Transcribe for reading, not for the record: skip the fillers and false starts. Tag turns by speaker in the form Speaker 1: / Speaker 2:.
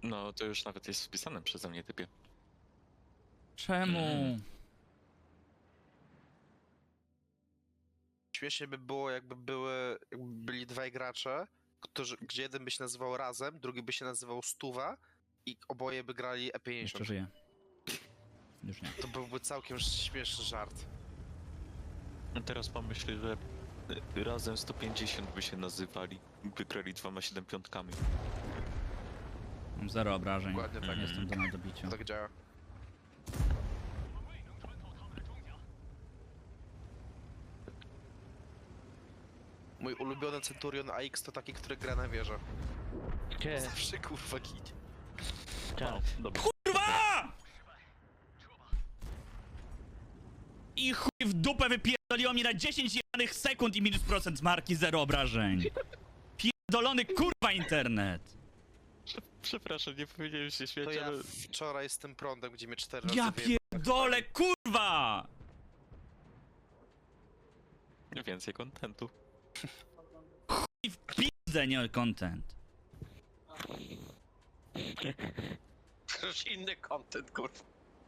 Speaker 1: No, to już nawet jest wpisane przeze mnie, typie.
Speaker 2: Czemu?
Speaker 3: Śmiesznie by było, jakby byli dwaj gracze, gdzie jeden by się nazywał Razem, drugi by się nazywał Stuwa i oboje by grali E50.
Speaker 2: Jeszcze żyję. Już nie.
Speaker 3: To byłby całkiem śmieszny żart.
Speaker 1: A teraz pomyśl, że razem 150 by się nazywali. Wygrali 2x7 piątkami.
Speaker 2: Mam 0 obrażeń.
Speaker 3: Dokładnie tak.
Speaker 2: Jestem do nadobicia.
Speaker 3: Tak działa. Mój ulubiony Centurion AX to taki, który gra na wieżę.
Speaker 4: Gdzie?
Speaker 3: Zawsze kurwa ginie.
Speaker 4: Tak.
Speaker 1: Dobra.
Speaker 2: Kurwa! I chuj w dupę wypierdoliło mi na 10 jebanych sekund i minus procent marki 0 obrażeń. Pierdolony kurwa internet.
Speaker 1: Przepraszam, nie powinienem się śmiać,
Speaker 3: To ja
Speaker 1: ale...
Speaker 3: wczoraj z tym prądem, gdzie mnie 4 razy
Speaker 2: Ja
Speaker 3: wyjebał.
Speaker 2: pierdolę kurwa!
Speaker 1: Więcej kontentu.
Speaker 2: I w pizdę nie content.
Speaker 5: Już inny content, kurwa.